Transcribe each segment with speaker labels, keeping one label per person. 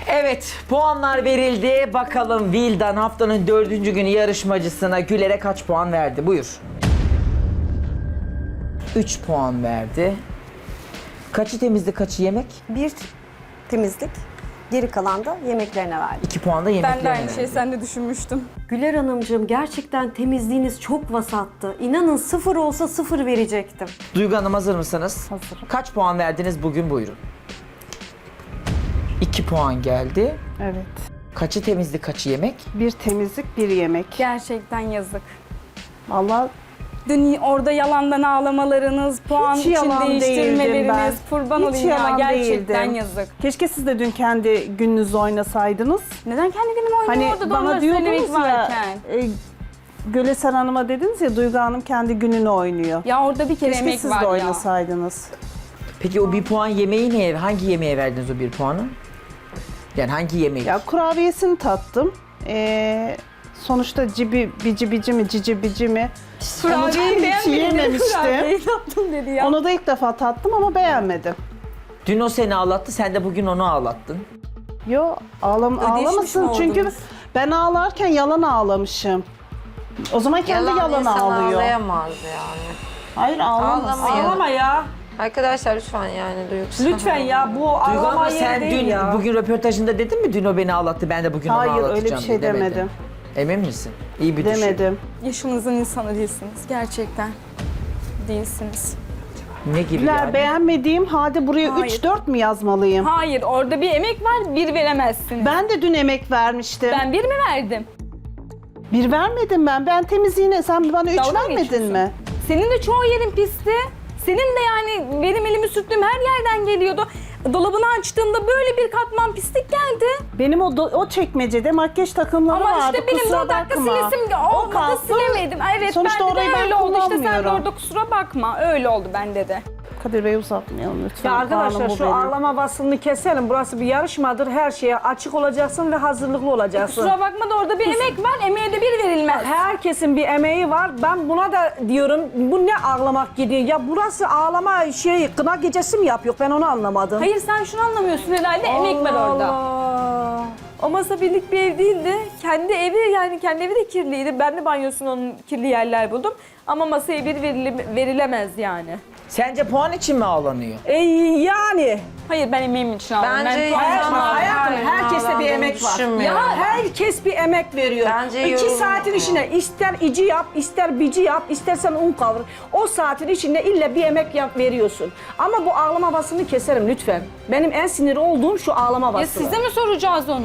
Speaker 1: Evet, puanlar verildi. Bakalım Vildan haftanın 4. günü yarışmacısına Güler'e kaç puan verdi? Buyur. 3 puan verdi. Kaçı temizlik, kaçı yemek?
Speaker 2: Bir temizlik, geri kalan da yemeklerine verdim.
Speaker 1: 2 puan da
Speaker 3: Ben
Speaker 1: yemeklerine
Speaker 3: de aynı
Speaker 1: verdi.
Speaker 3: şeyi sen de düşünmüştüm.
Speaker 2: Güler Hanımcığım gerçekten temizliğiniz çok vasattı. İnanın 0 olsa 0 verecektim.
Speaker 1: Duygu Hanım hazır mısınız?
Speaker 2: Hazırım.
Speaker 1: Kaç puan verdiniz bugün? Buyurun. 2 puan geldi.
Speaker 4: Evet.
Speaker 1: Kaçı temizlik, kaçı yemek?
Speaker 4: Bir temizlik, bir yemek.
Speaker 3: Gerçekten yazık.
Speaker 4: Vallahi
Speaker 3: Dün orada yalandan ağlamalarınız, puan için
Speaker 4: yalan değildim
Speaker 3: değiştirmeleriniz,
Speaker 4: ben.
Speaker 3: kurban
Speaker 4: Hiç
Speaker 3: olayım ya,
Speaker 4: yalan
Speaker 3: gerçekten
Speaker 4: değildim.
Speaker 3: yazık.
Speaker 4: keşke siz de dün kendi gününüzü oynasaydınız.
Speaker 3: Neden kendi günümü oynuyor
Speaker 4: Hani
Speaker 3: orada da
Speaker 4: bana
Speaker 3: onları
Speaker 4: diyordunuz
Speaker 3: söylemek
Speaker 4: ya,
Speaker 3: varken?
Speaker 4: Gülesen Hanım'a dediniz ya, Duygu Hanım kendi gününü oynuyor.
Speaker 3: Ya orada bir kere
Speaker 4: Keşke
Speaker 3: emek
Speaker 4: siz
Speaker 3: var
Speaker 4: de
Speaker 3: ya.
Speaker 4: oynasaydınız.
Speaker 1: Peki o 1 puan yemeği neye, hangi yemeğe verdiniz o 1 puanı? Yani hangi yemeği?
Speaker 4: Ya kurabiyesini tattım. Sonuçta bici mi, cici bici mi?
Speaker 3: Kurabiyeyi
Speaker 4: hiç
Speaker 3: beğenmedim dedi,
Speaker 4: yememiştim.
Speaker 3: kurabiyeyi tattım dedi ya.
Speaker 4: Onu da ilk defa tattım ama beğenmedim.
Speaker 1: Dün o seni ağlattı, sen de bugün onu ağlattın.
Speaker 4: Yo, ağlamasın
Speaker 3: mi
Speaker 4: çünkü
Speaker 3: oldunuz?
Speaker 4: ben ağlarken yalan ağlamışım. O zaman kendi yalan
Speaker 5: insan
Speaker 4: ağlıyor.
Speaker 5: ağlayamaz yani.
Speaker 4: Hayır, ağlamaz.
Speaker 5: Ağlamıyor.
Speaker 6: Ağlama ya.
Speaker 5: Arkadaşlar lütfen yani duygusal.
Speaker 6: Lütfen ya, bu
Speaker 1: Duygu Hanım
Speaker 6: ağlama
Speaker 1: sen
Speaker 6: yeri değil
Speaker 1: dün
Speaker 6: ya.
Speaker 1: bugün röportajında dedin mi dün o beni ağlattı, ben de bugün onu
Speaker 4: Hayır,
Speaker 1: ağlatacağım
Speaker 4: öyle bir şey
Speaker 1: diye demedin.
Speaker 4: demedim.
Speaker 1: Emin misin? İyi bir düşün.
Speaker 4: Demedim.
Speaker 3: Yaşınızın insanı değilsiniz. Gerçekten değilsiniz.
Speaker 1: Ne gibi
Speaker 4: Güler,
Speaker 1: yani?
Speaker 4: beğenmediğim halde buraya
Speaker 3: Hayır.
Speaker 4: 3-4 mü yazmalıyım?
Speaker 3: Hayır, orada bir emek var, bir veremezsiniz.
Speaker 4: Ben de dün emek vermiştim.
Speaker 3: Ben bir mi verdim?
Speaker 4: Bir vermedim ben. Ben temizliğine, sen bana 3
Speaker 3: Dalga mı
Speaker 4: vermedin
Speaker 3: geçiyorsun?
Speaker 4: mi?
Speaker 3: Senin de çoğu yerin pisti. Senin de yani benim elimi sürttüğüm her yerden geliyordu. Dolabını açtığımda böyle bir katman pislik geldi.
Speaker 4: Benim o çekmecede makyaj takımları
Speaker 3: Ama
Speaker 4: vardı.
Speaker 3: işte benim de
Speaker 4: kusura
Speaker 3: o dakika
Speaker 4: bakma.
Speaker 3: silesim
Speaker 4: O
Speaker 3: olmadı,
Speaker 4: kalktı.
Speaker 3: silemedim. Evet,
Speaker 4: Sonuçta
Speaker 3: bende
Speaker 4: orayı
Speaker 3: de
Speaker 4: ben
Speaker 3: öyle oldu. İşte sen de
Speaker 4: kullanmıyorum.
Speaker 3: orada kusura bakma. Öyle oldu bende de.
Speaker 4: Kadir Bey, uzatmayalım lütfen.
Speaker 6: Ya arkadaşlar
Speaker 4: Kanun bu
Speaker 6: şu
Speaker 4: benim.
Speaker 6: ağlama vasfını keselim. Burası bir yarışmadır. Her şeye açık olacaksın ve hazırlıklı olacaksın.
Speaker 3: Kusura bakma da orada bir emek var. Emeğe de bir verilmez.
Speaker 6: Herkesin bir emeği var. Ben buna da diyorum, bu ne ağlamak gidiyor? Ya burası ağlama kına gecesi mi yapıyor? Ben onu anlamadım.
Speaker 3: Hayır, sen şunu anlamıyorsun herhalde. Emek var orada.
Speaker 6: Allah.
Speaker 7: O masa birlik bir ev değildi. Kendi evi, yani kendi evi de kirliydi. Ben de banyosunun onun kirli yerler buldum. Ama masaya bir verilemez yani.
Speaker 1: Sence puan için mi ağlanıyor?
Speaker 6: Yani.
Speaker 3: Hayır, ben emeğim için aldım.
Speaker 5: Bence
Speaker 3: Ben puan-
Speaker 5: insanlar
Speaker 6: Hayatım, herkeste bir emek var.
Speaker 5: düşünmüyorum.
Speaker 6: Ya herkes bir emek veriyor.
Speaker 5: Bence
Speaker 6: 2
Speaker 5: yorum-
Speaker 6: saatin içinde ister ici yap, ister bici yap, istersen un kavur. O saatin içinde illa bir emek veriyorsun. Ama bu ağlama basını keserim lütfen. Benim en sinir olduğum şu ağlama
Speaker 3: Ya
Speaker 6: basını.
Speaker 3: size mi soracağız onu?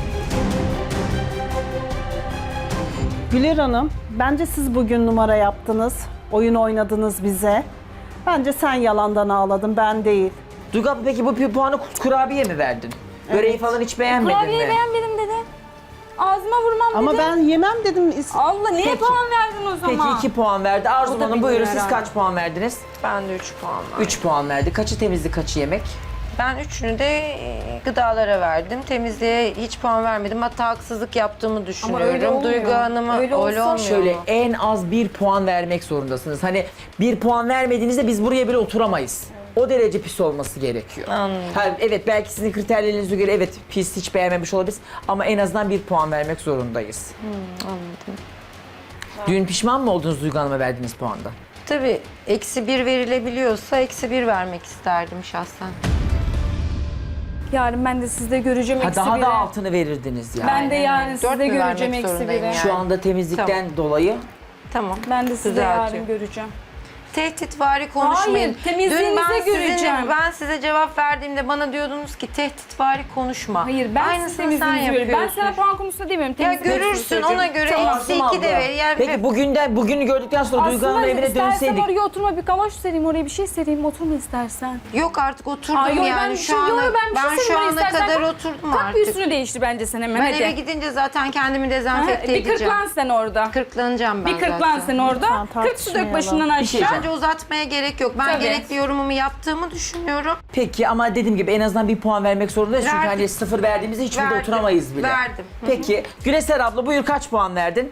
Speaker 4: Güler Hanım, bence siz bugün numara yaptınız. Oyun oynadınız bize. Bence sen yalandan ağladın, ben değil.
Speaker 1: Duygu abla, peki bu bir puanı kurabiye mi verdin? Böreği falan hiç beğenmedin
Speaker 3: Kurabiyeyi
Speaker 1: mi?
Speaker 3: beğenmedim dedi. Ağzıma vurmam
Speaker 4: Ama
Speaker 3: dedi.
Speaker 4: ben yemem dedim.
Speaker 3: Allah, niye
Speaker 1: Peki.
Speaker 3: puan verdin o
Speaker 1: Peki
Speaker 3: zaman?
Speaker 1: 2 puan verdi. Arzu
Speaker 3: O da
Speaker 1: Hanım buyurun,
Speaker 3: bilmiyor
Speaker 1: siz
Speaker 3: herhalde.
Speaker 1: kaç puan verdiniz?
Speaker 5: Ben de 3 puan var.
Speaker 1: 3 puan verdi. Kaçı temizlik, kaçı yemek?
Speaker 5: Ben üçünü de gıdalara verdim. Temizliğe hiç puan vermedim. Hatta haksızlık yaptığımı düşünüyorum.
Speaker 3: öyle olmuyor.
Speaker 5: Duygu Hanım'a
Speaker 3: Öyle olsa
Speaker 5: olmuyor.
Speaker 1: Şöyle
Speaker 5: mu?
Speaker 1: en az 1 puan vermek zorundasınız. Hani 1 puan vermediğinizde biz buraya bile oturamayız. O derece pis olması gerekiyor.
Speaker 5: Anladım.
Speaker 1: Evet, belki sizin kriterlerinize göre evet pis, hiç beğenmemiş olabiliriz ama en azından 1 puan vermek zorundayız.
Speaker 5: Anladım.
Speaker 1: Dün pişman mı oldunuz Duygu Hanım'a verdiğiniz puanda?
Speaker 5: Tabii -1 verilebiliyorsa -1 vermek isterdim şahsen.
Speaker 3: Yarın ben de sizde göreceğim
Speaker 1: Ha,
Speaker 3: eksi
Speaker 1: daha
Speaker 3: biri.
Speaker 1: da altını verirdiniz yani.
Speaker 3: Ben de yarın
Speaker 5: Dört
Speaker 3: sizde
Speaker 5: mü
Speaker 3: göreceğim
Speaker 5: vermek
Speaker 3: eksi
Speaker 5: zorundayım
Speaker 3: biri.
Speaker 5: yani?
Speaker 1: Şu anda temizlikten dolayı
Speaker 5: Tamam.
Speaker 3: Ben de sizde
Speaker 5: Düzeltiyorum.
Speaker 3: yarın göreceğim.
Speaker 5: Tehditvari konuşmayın.
Speaker 3: Hayır, temizliğinize göreceğim.
Speaker 5: Ben size cevap verdiğimde bana diyordunuz ki tehditvari konuşma.
Speaker 3: Hayır, ben
Speaker 5: Aynısını
Speaker 3: siz
Speaker 5: sen
Speaker 3: temizliğinizi görüyorum. Ben
Speaker 5: yapıyorsun.
Speaker 3: sana puan konusunda demiyorum.
Speaker 5: Ya
Speaker 3: temizlik
Speaker 5: görürsün,
Speaker 3: konusunda
Speaker 5: ona
Speaker 3: söyleyeceğim.
Speaker 5: göre
Speaker 3: Tamam.
Speaker 5: -2 de ver. Yani
Speaker 1: Peki bugünü gördükten sonra Duygu Hanım'ın evine
Speaker 3: istersen
Speaker 1: dönseydik.
Speaker 3: oraya oturma, bir kavaş sereyim, oraya bir şey sereyim, oturma istersen.
Speaker 5: Yok artık oturdum
Speaker 3: Ay, yok,
Speaker 5: yani
Speaker 3: ben
Speaker 5: şu ana
Speaker 3: bir şey
Speaker 5: ben şu
Speaker 3: sereyim,
Speaker 5: ana
Speaker 3: istersen
Speaker 5: kadar
Speaker 3: kalk-
Speaker 5: oturdum
Speaker 3: Kalk bir
Speaker 5: artık.
Speaker 3: üstünü değiştir bence sen hemen,
Speaker 5: Ben
Speaker 3: hadi.
Speaker 5: eve gidince zaten kendimi
Speaker 3: Ha,
Speaker 5: dezenfekte
Speaker 3: bir
Speaker 5: edeceğim.
Speaker 3: kırklan sen orada.
Speaker 5: Kırklanacağım ben
Speaker 3: Bir kırklan
Speaker 5: zaten.
Speaker 3: sen orada.
Speaker 4: Lütfen
Speaker 3: 40 su dök
Speaker 4: tartışmayalım.
Speaker 3: başından
Speaker 1: Bir şey
Speaker 3: aşağı.
Speaker 5: Bence uzatmaya gerek yok. Ben
Speaker 3: Tabii.
Speaker 5: gerekli yorumumu yaptığımı düşünüyorum.
Speaker 1: Peki ama dediğim gibi en azından 1 puan vermek zorundayız. Çünkü
Speaker 5: Verdim.
Speaker 1: hani 0 verdiğimizde hiç burada
Speaker 5: Verdim.
Speaker 1: oturamayız bile.
Speaker 5: Verdim. Hı hı.
Speaker 1: Peki Güleser abla buyur, kaç puan verdin?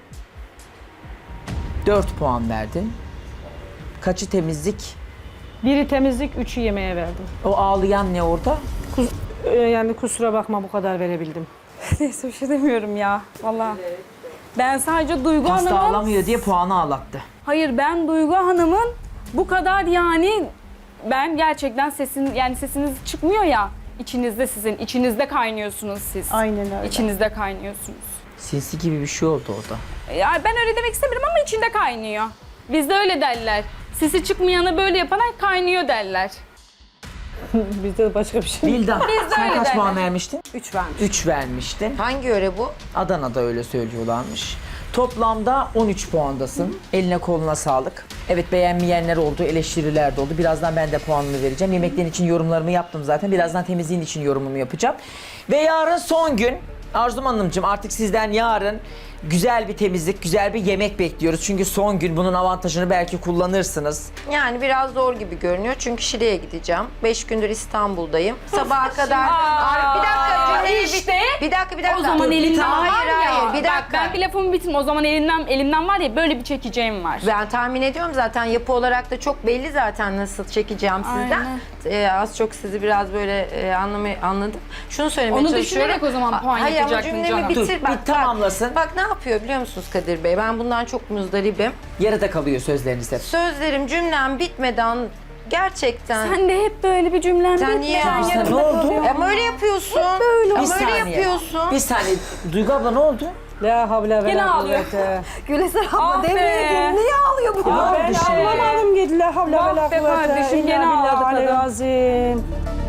Speaker 1: 4 puan verdin. Kaçı temizlik?
Speaker 6: Biri temizlik, 3'ü yemeğe verdim.
Speaker 1: O ağlayan ne orada?
Speaker 6: Yani kusura bakma bu kadar verebildim.
Speaker 3: Neyse bir şey demiyorum ya. Vallahi. Ben sadece Duygu
Speaker 1: Pasta
Speaker 3: Hanım'ın...
Speaker 1: alamıyor diye puanı ağlattı.
Speaker 3: Hayır, ben Duygu Hanım'ın bu kadar yani... Ben gerçekten sesiniz çıkmıyor ya. İçinizde sizin, içinizde kaynıyorsunuz siz.
Speaker 4: Aynen öyle.
Speaker 3: İçinizde kaynıyorsunuz.
Speaker 1: Sinsi gibi bir şey oldu orada.
Speaker 3: Ya ben öyle demek istemiyorum ama içinde kaynıyor. Bizde öyle derler. Sesi çıkmayanı böyle yapana kaynıyor derler.
Speaker 6: Bizde başka bir şey.
Speaker 1: Vildan sen
Speaker 3: öyle
Speaker 1: kaç
Speaker 3: derler.
Speaker 1: puan vermiştin?
Speaker 2: 3 vermiş.
Speaker 1: 3 vermiştin.
Speaker 5: Hangi yöre bu?
Speaker 1: Adana'da öyle söylüyorlarmış. Toplamda 13 puandasın. Eline koluna sağlık. Evet, beğenmeyenler oldu, eleştiriler de oldu. Birazdan ben de puanımı vereceğim. Yemeklerin için yorumlarımı yaptım zaten. Birazdan temizliğin için yorumumu yapacağım. Ve yarın son gün. Arzum Hanımcığım, artık sizden yarın güzel bir temizlik, güzel bir yemek bekliyoruz. Çünkü son gün, bunun avantajını belki kullanırsınız.
Speaker 5: Yani biraz zor gibi görünüyor çünkü Şile'ye gideceğim. 5 gündür İstanbul'dayım. Sabaha kadar... bir dakika cümleyi
Speaker 3: işte.
Speaker 5: Bir dakika.
Speaker 3: O zaman elimden var
Speaker 5: Hayır,
Speaker 3: ya.
Speaker 5: hayır, bir
Speaker 3: Bak,
Speaker 5: dakika.
Speaker 3: ben bir lafımı bitireyim. O zaman elimden var ya, böyle bir çekeceğim var.
Speaker 5: Ben tahmin ediyorum zaten, yapı olarak da çok belli zaten nasıl çekeceğim sizden. Az çok sizi biraz böyle anladım. Şunu söylemeye
Speaker 3: Onu
Speaker 5: çalışıyorum.
Speaker 3: düşünerek o zaman puan
Speaker 5: Hayır ama
Speaker 3: yapacaktın
Speaker 5: cümlemi
Speaker 3: canım.
Speaker 5: bitir.
Speaker 1: Dur, bir tamamlasın.
Speaker 5: Bak ne yapıyor biliyor musunuz Kadir Bey? Ben bundan çok muzdaribim.
Speaker 1: Yarıda kalıyor sözleriniz hep.
Speaker 5: Sözlerim, cümlem bitmeden gerçekten...
Speaker 3: Sen de hep böyle bir cümlen
Speaker 5: Sen niye
Speaker 1: Sen ne oldu?
Speaker 5: Ama öyle yapıyorsun.
Speaker 1: Bir
Speaker 5: Ama öyle
Speaker 1: saniye.
Speaker 5: yapıyorsun.
Speaker 1: Bir saniye. Duygu abla ne oldu?
Speaker 6: La havle ve
Speaker 3: Gene
Speaker 6: la
Speaker 3: ağlıyor.
Speaker 6: kuvvete.
Speaker 2: Güleser abla
Speaker 3: Ah be.
Speaker 2: devreye girdi. Niye ağlıyor bu?
Speaker 6: Ya ben anlamadım gitti. La havle ve la
Speaker 3: Bak be
Speaker 6: kuvvete.
Speaker 3: kardeşim,
Speaker 6: İlla
Speaker 3: gene
Speaker 6: billahi
Speaker 3: ağladı kadın.
Speaker 6: aleyhi.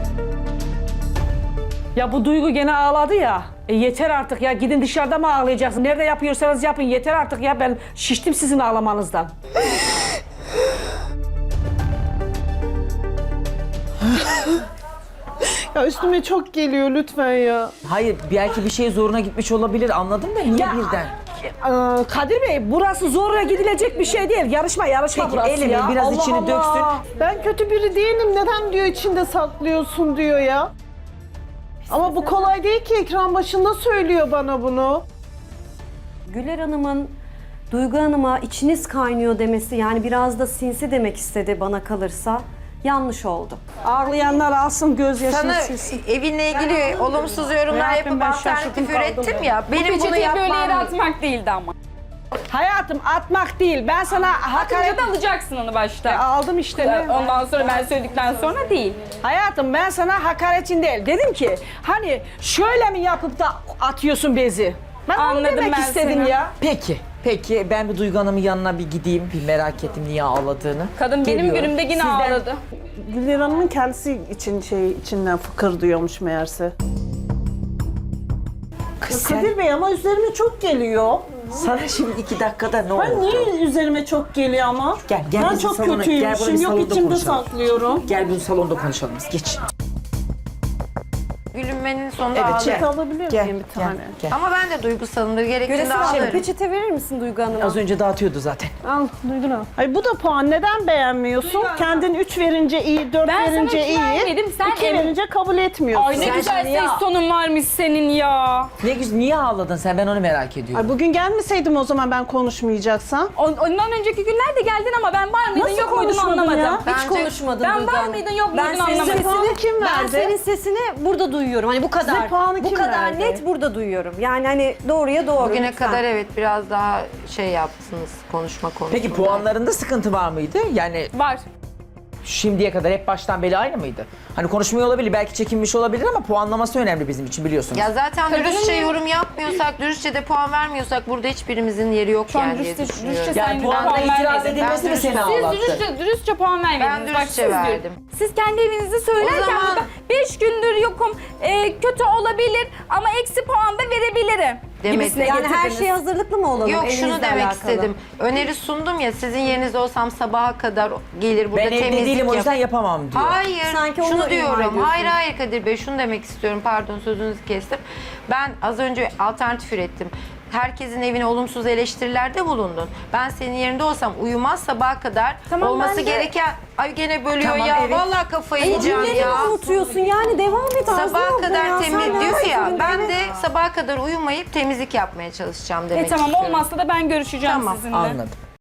Speaker 6: Ya bu Duygu gene ağladı ya. Yeter artık ya, gidin dışarıda mı ağlayacaksın? Nerede yapıyorsanız yapın, yeter artık ya, ben şiştim sizin ağlamanızdan.
Speaker 4: Ya üstüme çok geliyor lütfen ya.
Speaker 1: Hayır, belki bir şey zoruna gitmiş olabilir, anladım da niye
Speaker 6: Ya,
Speaker 1: birden?
Speaker 6: Kadir Bey, burası zorla gidilecek bir şey değil. Yarışma
Speaker 1: Peki,
Speaker 6: burası
Speaker 1: elini
Speaker 6: ya.
Speaker 1: biraz
Speaker 6: Allah
Speaker 1: içini
Speaker 6: Allah.
Speaker 1: döksün.
Speaker 4: Ben kötü biri değilim. Neden diyor içinde saklıyorsun diyor ya. Ama bu kolay değil ki, ekran başında söylüyor bana bunu.
Speaker 2: Güler Hanım'ın Duygu Hanım'a içiniz kaynıyor demesi, yani biraz da sinsi demek istedi bana kalırsa. Yanlış oldu.
Speaker 6: Ağlayanlar alsın gözyaşını
Speaker 5: Sana
Speaker 6: silsin.
Speaker 5: evinle ilgili olumsuz yorumlar
Speaker 6: Ne yapayım,
Speaker 5: yapıp
Speaker 6: ben şaşırdım
Speaker 5: alternatif
Speaker 6: kaldım
Speaker 5: ürettim
Speaker 6: ben.
Speaker 5: ya. Benim bunu
Speaker 3: Peçeteyi böyle yere
Speaker 5: yapmam...
Speaker 3: atmak değildi ama.
Speaker 6: Hayatım, atmak değil. Ben sana hakaret...
Speaker 3: Atınca da alacaksın onu başta.
Speaker 6: Aldım işte. ne?
Speaker 3: Ondan sonra ben söyledikten sonra değil.
Speaker 6: Hayatım, ben sana hakaretin değil. Dedim ki hani şöyle mi yapıp da atıyorsun bezi? Ben onu
Speaker 3: Anladım
Speaker 6: demek
Speaker 3: ben
Speaker 6: istedim
Speaker 3: seni.
Speaker 6: ya.
Speaker 1: Peki ben bir Duygu Hanım'ın yanına bir gideyim, bir merak ettim niye ağladığını.
Speaker 3: Kadın benim
Speaker 1: Geliyorum.
Speaker 3: günümde yine
Speaker 1: Sizden-
Speaker 3: ağladı.
Speaker 4: Güler Hanım'ın kendisi için içinden fıkır diyormuş meğerse.
Speaker 1: Kız sen,
Speaker 4: Kadir Bey ama üzerime çok geliyor.
Speaker 1: sana şimdi 2 dakikada ne
Speaker 4: Ben
Speaker 1: oldu?
Speaker 4: niye üzerime çok geliyor ama?
Speaker 1: Gel
Speaker 4: Ben
Speaker 1: bizim
Speaker 4: çok
Speaker 1: salona, gel
Speaker 4: kötüymüşüm.
Speaker 1: buraya bir
Speaker 4: Yok
Speaker 1: salonda
Speaker 4: içimde
Speaker 1: konuşalım.
Speaker 4: saklıyorum.
Speaker 1: Gel bunu salonda konuşalım biz, geç.
Speaker 5: Gülünmenin sonunda
Speaker 1: Evet,
Speaker 5: ağlarım.
Speaker 1: gel.
Speaker 4: Peçete alabilir
Speaker 1: Gel,
Speaker 4: miyim bir
Speaker 1: gel,
Speaker 4: tane?
Speaker 1: gel.
Speaker 5: Ama ben de duygusalımdır. Gerektiğinde
Speaker 2: Güleser abla
Speaker 5: ağlarım.
Speaker 2: peçete verir misin Duygu Hanım'a?
Speaker 1: Az önce dağıtıyordu zaten.
Speaker 4: Al duydun ha. Ay bu da puan, neden beğenmiyorsun? Kendin 3 verince iyi, 4
Speaker 3: Ben sana
Speaker 4: verince
Speaker 3: iki
Speaker 4: iyi.
Speaker 3: vermedim, sen
Speaker 4: 2
Speaker 3: em-
Speaker 4: verince kabul etmiyorsun.
Speaker 3: Ay ne
Speaker 1: Sen
Speaker 3: güzel
Speaker 1: şimdi ya-
Speaker 3: ses tonun varmış senin ya.
Speaker 1: Ne güzel, niye ağladın sen, ben onu merak ediyorum.
Speaker 4: Ay bugün gelmeseydim o zaman ben konuşmayacaksam.
Speaker 3: Ondan önceki günlerde geldin ama ben var mıydın
Speaker 4: Nasıl
Speaker 3: yok muydun
Speaker 4: konuşmadın
Speaker 3: anlamadım.
Speaker 4: ya?
Speaker 2: Hiç
Speaker 5: Bence-
Speaker 2: konuşmadın
Speaker 3: Ben
Speaker 2: Duygu
Speaker 3: var
Speaker 2: Hanım.
Speaker 3: mıydın yok
Speaker 2: Ben
Speaker 3: muydun
Speaker 2: senin
Speaker 3: anlamadım.
Speaker 4: Puanı kim
Speaker 2: Ben
Speaker 4: verdi?
Speaker 2: senin sesini burada duyuyorum. Hani bu kadar.
Speaker 4: Size puanı
Speaker 2: bu
Speaker 4: kim
Speaker 2: kadar
Speaker 4: verdi?
Speaker 2: net burada duyuyorum. Yani hani doğruya doğru.
Speaker 5: Bugüne
Speaker 2: lütfen.
Speaker 5: kadar evet biraz daha şey yaptınız konuşma konusunda.
Speaker 1: Peki puanlarında sıkıntı var mıydı? Yani
Speaker 3: Var.
Speaker 1: şimdiye kadar hep baştan beri aynı mıydı? Hani konuşmuyor olabilir, belki çekinmiş olabilir ama puanlaması önemli bizim için, biliyorsunuz.
Speaker 5: Ya zaten
Speaker 3: Kadının
Speaker 5: dürüstçe
Speaker 3: ya-
Speaker 5: yorum yapmıyorsak, dürüstçe de puan vermiyorsak burada hiçbirimizin yeri yok
Speaker 3: Şu an
Speaker 5: yani diye
Speaker 3: dürüstçe
Speaker 5: düşünüyorum.
Speaker 3: sen
Speaker 1: Yani
Speaker 3: de
Speaker 1: puanda
Speaker 3: puan
Speaker 1: itiraz
Speaker 3: vermedin.
Speaker 1: edilmesi mi
Speaker 5: Ben
Speaker 1: seni
Speaker 3: Siz
Speaker 1: ağlattı?
Speaker 3: dürüstçe puan vermediniz.
Speaker 5: Ben
Speaker 3: Bak,
Speaker 5: dürüstçe
Speaker 3: siz
Speaker 5: verdim.
Speaker 3: Siz kendi evinizi söylerken
Speaker 5: O zaman-
Speaker 3: 5 gündür yokum, kötü olabilir ama eksi puan da verebilirim.
Speaker 5: Demedim.
Speaker 3: Gibisine
Speaker 2: Yani her
Speaker 3: getirdiniz.
Speaker 2: şeye hazırlıklı mı olalım?
Speaker 5: Yok şunu
Speaker 2: evinizle
Speaker 5: demek
Speaker 2: alakalı?
Speaker 5: istedim. Öneri sundum ya, sizin yerinizde olsam sabaha kadar gelir burada
Speaker 1: Ben evde
Speaker 5: temizlik
Speaker 1: değilim, o
Speaker 5: yap-
Speaker 1: yüzden yapamam diyor.
Speaker 5: Hayır,
Speaker 2: Sanki onu
Speaker 5: şunu
Speaker 2: ima
Speaker 5: diyorum.
Speaker 2: ediyorsun.
Speaker 5: Hayır Kadir Bey, şunu demek istiyorum. Pardon, sözünüzü kestim. Ben az önce alternatif ürettim. Herkesin evine olumsuz eleştirilerde bulundun. Ben senin yerinde olsam uyumaz sabaha kadar
Speaker 3: Tamam,
Speaker 5: olması
Speaker 3: ben de-
Speaker 5: gereken... Ay gene bölüyor
Speaker 1: Tamam,
Speaker 5: ya.
Speaker 1: evet.
Speaker 5: Vallahi kafayı
Speaker 2: Ay,
Speaker 5: yiyeceğim
Speaker 2: cümleni
Speaker 5: ya.
Speaker 2: mi unutuyorsun? Yani devam et Arzu
Speaker 5: Sabaha
Speaker 2: abla
Speaker 5: kadar
Speaker 2: ya.
Speaker 5: temiz
Speaker 2: Sen
Speaker 5: diyor ya.
Speaker 2: neredesin?
Speaker 5: Ben
Speaker 2: Evet.
Speaker 5: de sabaha kadar uyumayıp temizlik yapmaya çalışacağım demek
Speaker 3: Tamam,
Speaker 5: istiyorum.
Speaker 3: olmazsa da ben görüşeceğim
Speaker 5: Tamam,
Speaker 3: sizinle.
Speaker 1: Anladım.